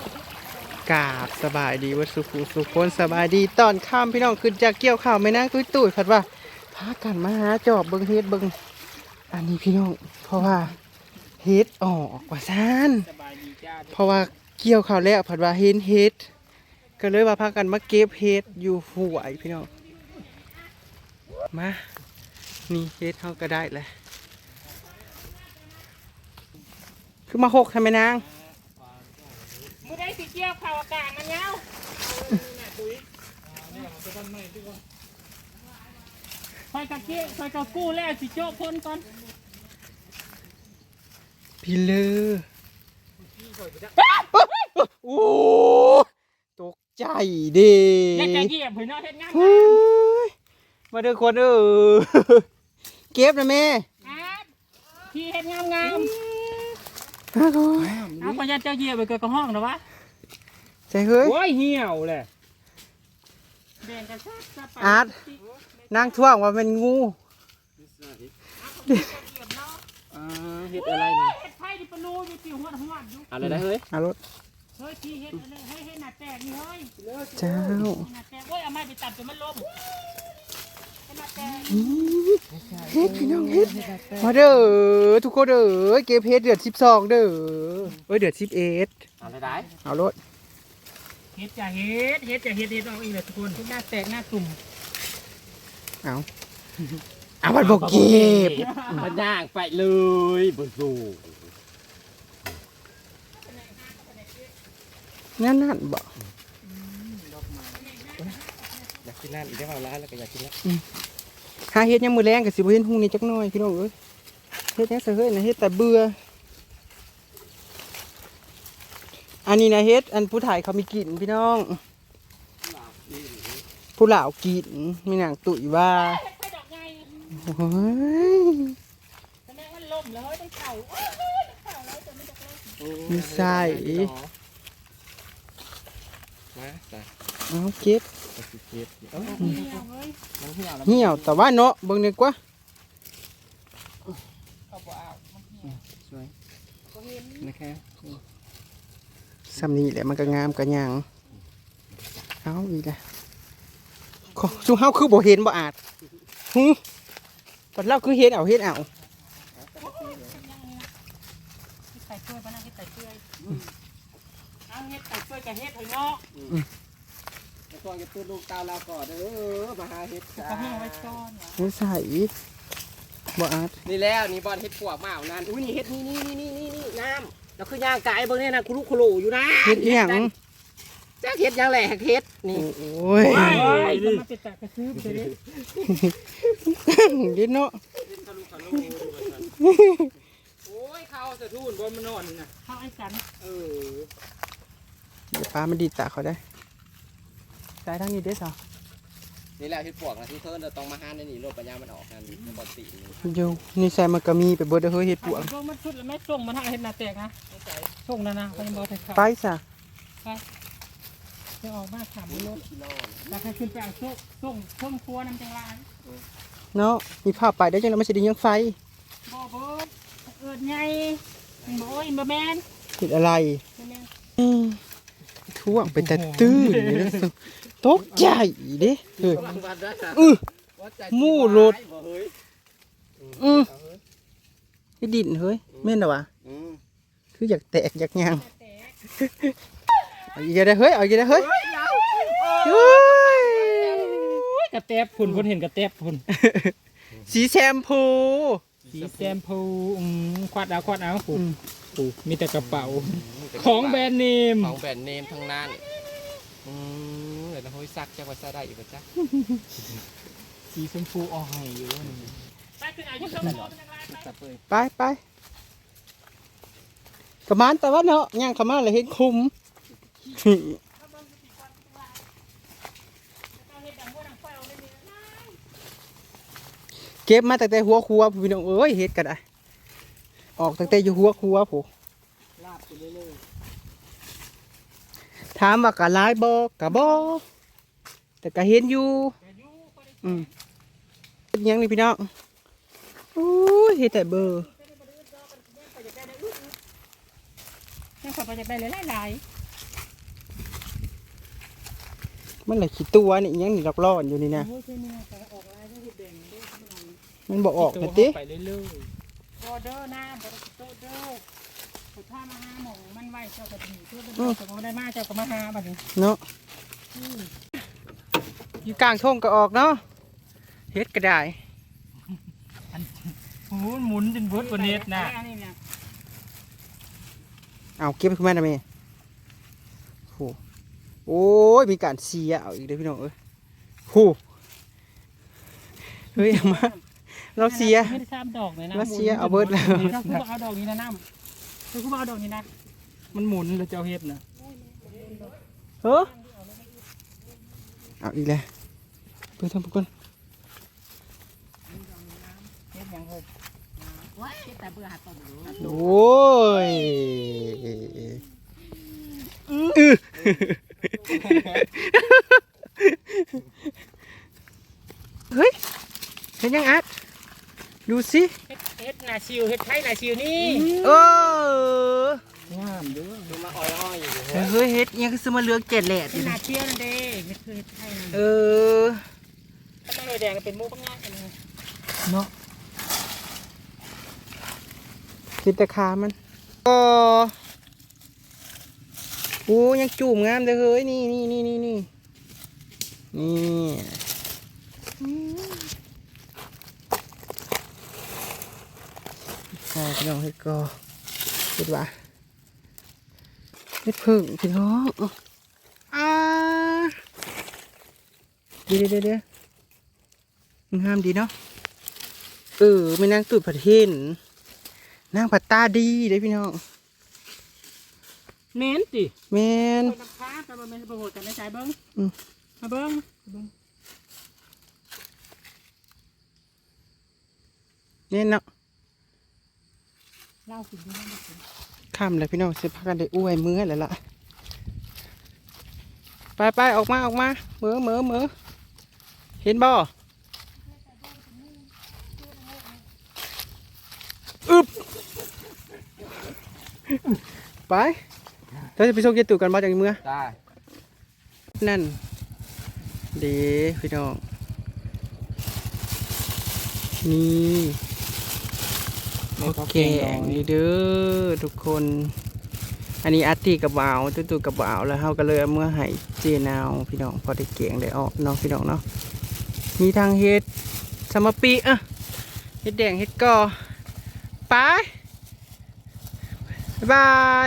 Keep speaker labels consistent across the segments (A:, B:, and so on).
A: กราบสบายดีวัดสุขุสุขคนสบายดีตอนค่ำพี่น้องขึ้นจากเกี่ยวข้าวไม่นั่งตุ้ยผัดว่าพากันมาหาจอบเบิงเฮ็ดเบิงอันนี้พี่น้องเพราะว่าเฮ็ดออกกว่าซ่านเพราะว่าเกี่ยวข้าวแล้วผัดว่าเห็นเฮ็ดก็เลยว่าพากันมาเก็บเฮ็ดอยู่ห่วยพี่น้องมานี่เฮ็ดเขาก็ได้เลยคือมาหกทำไมนาง
B: ไม่ได้สิเกี่ยวข่าวอากาศมันเงาคอยกะเกี้ยคอยกะกู้แล้วสิโจ้พ้นก่อน
A: พี่เลอโอ้ตกใจดิ
B: แล้วจะเหยียบเห็นเนาะเฮ็ดงาน
A: มาเด้อคนเก็บนะแม่
B: พี่เฮ็ดงามงามเอาพยานเจ้าเหยียบไปเกิดกับห้องนะวะ
A: ใจเฮ้ย
B: โอ้ยเหี่ยวเลย
A: อาร์ตนั่งท่วงว่าเป็นงู
B: เฮ็ดอะไรนี่เฮ็ดไผ่ดิปลูอยู่ติวหัวอยู่
C: อะไรได้เฮ้ย
A: เอารถ
B: เฮ้ยพี่เฮ็ดให้เฮ็ดหน้าแตกนี่เฮ้ย
A: เจ้า
B: หน้าแตกโอ้ยเอาไม้ไปตัดจนมันล้ม
A: เฮ็ดพี่น้องเฮ็ดมาเด้อทุกคนเด้อเก็บเฮ็ดเดือด12เด้อเดือด11
C: อะไรได้
A: เอารถ
B: เฮ็ดจะเฮ็ดเอาอีกเลยทุกคนหน้าแตกหน้าตุ่ม
A: เอามันบอกเก็บ
C: มันย่างไปเลยบนสู
A: นั่นบอก
C: อยากกินนั่นอีกได้เปล่าร้านแล้วก็อยากกินแล้ว
A: หาเฮ็ดยังมือแรงกับสิบเฮ็ดหุ่งนี่จักหน่อยพี่น้องเอ้ยเฮ็ดยังเสือเฮ้ยนะเฮ็ดแต่เบื่ออันนี้นะเฮ็ดอันผู้ถ่ายเขามีกลิ่นพี่น้องผู้เหล่ากินมีหนังตุ๋ยว่าโอ้ยมีใส่เอาเก็บเหี่ยวแต่ว่าเนาะเบิ่งดีกว่าสวยนะครับสำนีแหละมันก็งามกันยังเอาอีกแล้วชูเฮาคือบ่เห็นบ่อาจตอนเราคือเห็นเอา
B: ใส่ช่วยปะนะเฮ็ดใส่ช่วยเอาเฮ็ดใส่ช่วยกับเฮ็ดเฮ้ยเนาะ
C: ตอนจะตื่นลูกเตาเราก่อนมาหาเฮ็ดจ้า
B: ก็ให้ไว้ก่อน
A: นี่ใส่บ่อาจ
C: นี่แล้วนี่บอลเฮ็ดปวกมาเอานั่นอุ้ยนี่เฮ็ดนี่น้ำแล้วคือย่างกายเบิ่งเนี่ยนะคุรุคุรุอยู่นะ
A: เฮ็ดอีหยัง
C: จ้าเฮ็ดยังแหละเฮ็ดนี่
A: โอ้ย
B: จะมาติดตากระซื้อไปเลย
A: ดิเนาะ
C: โอ้ยเขาสะทุนบนมันนอนนี่นะ
B: เขาไอ้กัน
A: เดี๋ยวปลามันดีตาเขาได้ใส่ทั้งนี้เด้อสาว
C: นี่แหละเฮ็ดปวกนะที่เธอต้องมาหาในนี่รถปัญญามันออกนั่นในบอลตี
A: อยู่นี่ใส่มันก็มีไปเบิดเฮ้ยเฮ็ดปวก
B: มันชุดแล้วไม่ส่งมันให้เฮ็ดหน้าแตกนะส่งนะเขายังบอก
A: ไปซะ
B: ไปจะออกมาถามรถแล้วใครขึ้นไปเอาส่งเครื่องครัวน้ำจังไร
A: เนาะมีภาพไปได้จังแล้วไม่ใช่ดิยังไฟ
B: บ่เบิดไงบ่โอ้ยบ่แม่น
A: เฮ็ดอะไรท่วงเป็นแต่ตื้นเลยตกใจเด้มู่รถให้ดินเฮ้ยแม่นเหรอวะคืออยากแตกอยากยางเอาอีกได้เฮ้ยเอาอีกได้เฮ้ย
B: กระแตบพุ่นเห็นกระแตบพุ่น
A: สีแชมพู
B: ควัดเอาปู่มีแต่กระเป๋าของแบรนด์เนม
C: ทั้งนั้นเดี๋ยวเราให้ซักจะว่าซักได้อยู่ป่ะจ๊ะ
B: สีชมพูอ่อยอยู่
A: ไปกระมานแต่ว่าเนาะย่างขม่าเลยเห็นคุ้มเก็บมาตั้งแต่หัวครัวพี่น้องเอ้ยเฮ็ดกันได้ออกตั้งแต่อยู่หัวครัวผมถามว่ากะลายบ่กะบ่แต่กะเห็นอยู่ยังนี่พี่น้องโอ้ยเฮ็ดแต่เบอร์
B: ยังขอไปจะได้หลาย
A: มันเลยขี้ตัวนี่อิหยังนี่ร้อนๆอยู่นี่นะ
B: โอ้ยเช่นนี้แต่ออกลายได้เห็ดแดงได้ขนาดนี้
A: มันบ่ออกนะติ
C: ไปเรื่อย
B: ออเดอร์หน้าบริโตเดอร์สุดท้ายมาหาหมองมันไหวเจ้าก็ดีเพื่อเป็นเจ้าก็ได้มาเจ้าก็มาหาบัดนี้
A: เนาะอยู่กลางทุ่งก็ออกเนาะเฮ็ดก็ได้
C: ๆหมุนจนเบิดบนเน็ตนะ
B: อันนี้เนี่ย
A: เอาเก็บขึ้นมาได้ไหมโอ้โอ้ยมีการเสียเอาอีกเด้อพี่น้องเอ้ยโหเฮ้ยเอามาเราเสีย
B: ไม่ได้ซ้ำดอกเลยนะ
A: เราเสียเอาเบิดแล้ว
B: ถ้าคุณเอาดอกนี้นะน้ำถ้าคุณเอาดอกนี้นะ
C: มันหมุนแล้วเจ้าเฮ็ดนะ
A: เฮ้อเอาอีกแล้วเพื่อนทำเพื่อน
B: เฮ็ดยังเฮ้ยว้ายแต่เบื่อหาต้นรู้
A: โอ้ยเฮ้ยเห็นยังอัดดูสิ
B: เฮ็ดนาชิวเฮ็ดไทยนาชิวนี่
A: เออง
C: ามเด้อดูมาอ้อยๆอยู่
A: เฮ้ยเฮ็ดยังคือสมาเลือกเจ็ดแหลดอ
B: เฮ็
A: ยู่
B: ดนา
A: นะ
B: เชียวนั่นเด้เฮ็ดคือเฮ็ดไทยนั่น
A: เออ
B: ถ้าไม่เลยแดงก็เป็นหมูปังง่ายกันเลย
A: เนาะคิดแต่ขามันก็โอ้ยังจูบงามเลยเฮ้ยนี่นี่ใช่พี่น้องเฮ็ดก็เฮ็ดว่าเฮ็ดพึ่งพี่น้องเดี๋ยวงามดีเนาะไม่นั่งตุ่ผัดเห็นนั่งผัดตาดีเลยพี่น้อง
B: เน้นสิ
A: แมน
B: น้ำค้าแต่ว่ามันประโหดกันในใจเบิ้ง
A: อืม
B: มาเบิ้ง
A: เนี่ยเนาะ
B: เล่าสิดูให้ดูสิ
A: ค่ำเลยพี่น้องสิพากันได้อ้วยมื้อแล้วล่ะไปออกมามือเห็นบ่อึบไปเราจะไปส่งเกียรตุกันมาจากเมือง
C: ได้
A: นั่นเด้พี่น้องนี่โอเคนี่เด้อทุกคน อันนี้อาร์ตี้กับบ่าวตู้กับบ่าวแล้วเฮาก็เลยเอาเมื่อให้เจนาวพี่น้องพอได้เก่งได้ออกเนาะพี่น้องเนาะมีทางเฮ็ดสมปีเฮ็ดแดงเฮ็ดกอไปบ๊ายบาย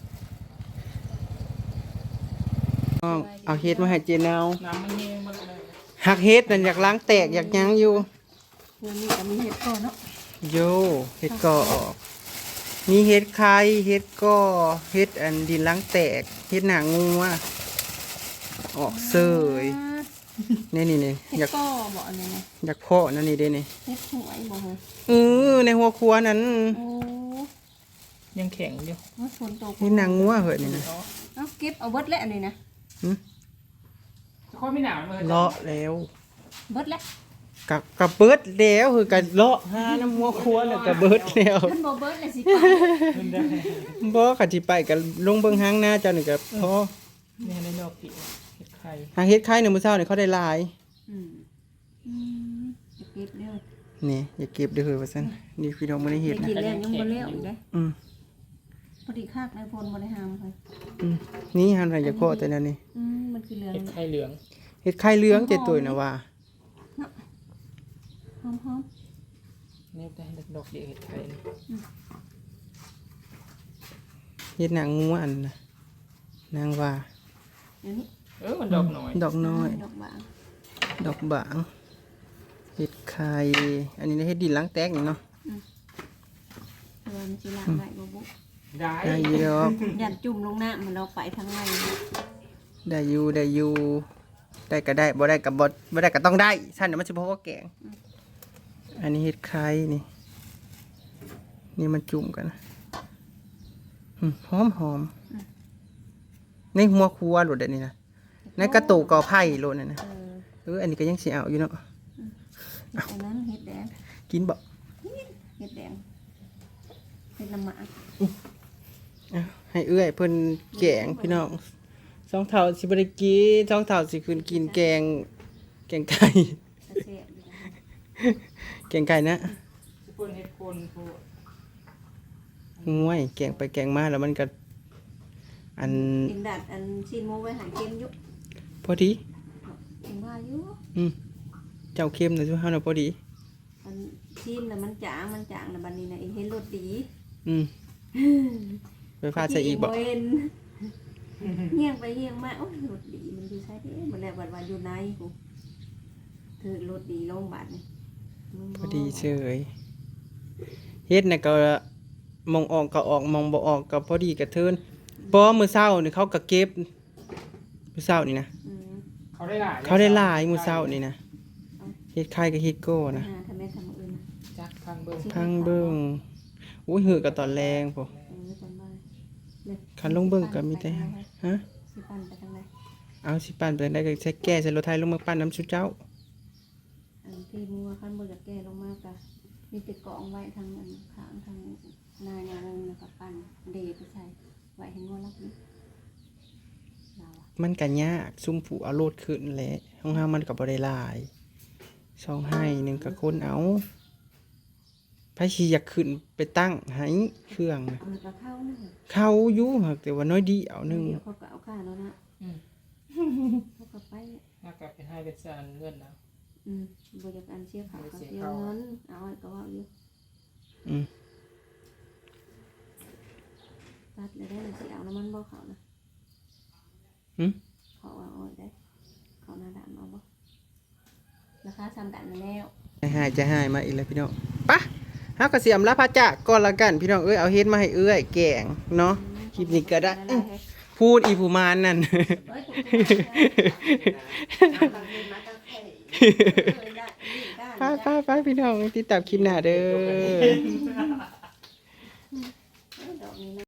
A: เอาเฮ็ดมาให้เจนาว
B: น้ำมันเย็นมันเลย
A: หักเฮ็ดนั่นอยากล้างแตกอยากหยังอยู่
B: เงินนี่ก็มีเห็ดก่อนเนาะ
A: โยเฮ็ดกอออกมีเฮ็ดไข่เฮ็ดกอเฮ็ดอันดินล้างแตกเฮ็ดหนังงูออกเสยนี่อยา
D: เฮ็
A: ก
D: ดก็บอกอันนี้นะ
A: อยากเพาะนั่นนี่เด้นี่
D: เฮ็ดหวยบอกเหรอ
A: ในหัวครัวนั้น
D: โอ้
B: ยังแข็งอยู่
D: ว่าฝนตก
A: เฮ็ดหนังงูเหอะนี่นะ
D: เอาเก็บเอาเบิดแล้วอันนี้นะ
B: ค่อยไม่หนาวเลย
A: เลาะแล้ว
D: เบิดแล้ว
A: กับเบิดแล้วคือกันเลาะหาน้ำหัวครัวแล้วก็เบิดแล้ว
D: ท่านบ่เบิดเลยสิไป
A: บ่ก็สิไปก็ลงเบิ่งหางหน้าเจ้านี่ก็พอ
B: นี่ในดอกกี่เห็ดไข่
A: หางเฮ็ดไข่ในมื้อเช้านี่เขาได้หลาย
D: อืมจะเก็บเด้อ
A: นี่อย่าเก็บเด้อเฮ้ยว่าซั่นนี่พี่น้องบ่ได้เฮ็ด
D: ได้
A: นะ
D: กินแล้วยังบ่แล้วอีกเด้อ
A: อืม
D: พอดีคากในพลบ่ได้หามไป
A: นี่หันไปจะเพาะแต่นั่นนี่
D: มันคือเหลือง
B: เห็ดไข่เหลือง
A: เฮ็ดไข่เหลืองเจ็ดตัวนะว่า
D: หอม
B: นี่ได้ดอกเดียวเห็ดไข่
A: เฮ็ดหนังงูอันนะนางว่า
D: ๆเดี๋ยวนี้
B: มันดอกหน่อย
A: ดอกน้อย
D: ดอกบาง
A: ดอกบางเฮ็ดไข่อันนี้เฮ็ดดินล้างแตกนี่เนาะ
D: เออมันสิลางไว้บ่บุ
B: ได้
A: ได้อยู่ดอก
D: ยันจุ่มลงน้ำมันเราไปทางใน
A: ได้อยู่ได้ก็ได้บ่ได้ก็บ่ได้ก็ต้องได้ซั่นเดี๋ยวมันสิบ่พอแกงอันนี้เฮ็ดไข่นี่นี่มันจุ่มกันหอมในหัวครัวโลดอันนี้นะในกระตุกกอไผ่โลดนั่นนะอันนี้ก็ยังสิเอาอยู่เนาะ
D: อันนั้นเฮ็ดแดง
A: กินบ่
D: เฮ็ดแดงเฮ็ดน้ำหมาก
A: ให้เอื้อยเพิ่นแกงพี่น้องสองเท่าสิบ่ได้กินสองเท่าสิคืนกินแกงไก่
D: ตะเสียอยู่นะ
A: แกงไก่นะ
B: สิเพิ่นเฮ็ดคนผู้
A: ห่วยแกงไปแกงมาแล้วมันก็อัน
D: กินดัดอันชิ้นหมูไว้หาเค็มอยุ
A: พอดี
D: กินว่าอยู่
A: เจ้าเค็มน่ะซุเฮาน่ะพอดี
D: อันชิ้นน่ะมันจางน่ะบัดนี้น่ะเห็นรสดี
A: อืมไปฟาดใส่อีกบ่
D: เห็นเฮียงไปเฮียงมาโอ้ยรสดีมันอยู่ใช่เด้มันแล้วบัดอยู่ในกูถือรสดีลงบัดนี่มัน
A: พอดีเฉยเฮ็ดน่ะก็มองออกก็ออกมองบ่ออกก็พอดีกระเทินบ่มื้อเช้านี่เขาก็เก็บมื้อเช้านี่นะ
D: อืม
B: เขาได้หลาย
A: เขาได้หลายมื้อเช้านี่นะเฮ็ดไข่กับเฮ็ดโก้นะ
D: ทำแม่ทำอื่นนะ
B: จักพังเบิ่ง
A: พังเบิ่งอุ้ยหือก็ตอนแรงพุ่น
D: จำได้เลย
A: คันลงเบิ่งก็มีแต่ฮะ
D: สิปั่นไปทางไหน
A: เอาสิปั่นไปได้ก็ใช้แก้ใส่รถไถลงมาปั่นน้ำชุเจ้า
D: อันที่มัวขั้นบนจากแก่ลงมากะมีติดกองไว้ทางอันข้างทางนายาวงแล้วก็ปั่นเดไปใส่ไว้ให้งัวรับนี้เราอะ
A: มันก็ยากซุ่มผูเอาโลดขึ้นแหละห้องห้ามันก็บ่ได้หลายช่องให้หนึงก็คนเอาไผสิอยากขึ้นไปตั้งให้เครื่องน่ะ
D: เอาแล้วก็เข้านะ
A: เข้าอยู่หักแต่ว่าน้อยเดียวหนึง
D: เดี๋ยวเขาก็เอาค่าแล้วนะเขาก็ไป
B: น่ากลับไปให้เป็นจานเงินนะ
D: บริการเชี่ยเขาก็เสียเงินเอาไว้ก็ว่าอยู่
A: อืม
D: ตัดเลยได้เลยสิเอาน้ำมันบ่เขานะ
A: หึ
D: เขาเอาไว้ได้เขาหน้าด่านเอาบ่ราคาซ้ำกันแล้ว
A: จะหายมาอีกแล้วพี่น้องปะเฮาก็สิอำลาพระจากก่อนละกันพี่น้องเอ้ยเอาเฮ็ดมาให้เอ้ยแกงเนาะคลิปนี้ก็ได้พูดอีผู้มานนั่น ไปพี่น้องติดตามคลิปหน้าเด้อ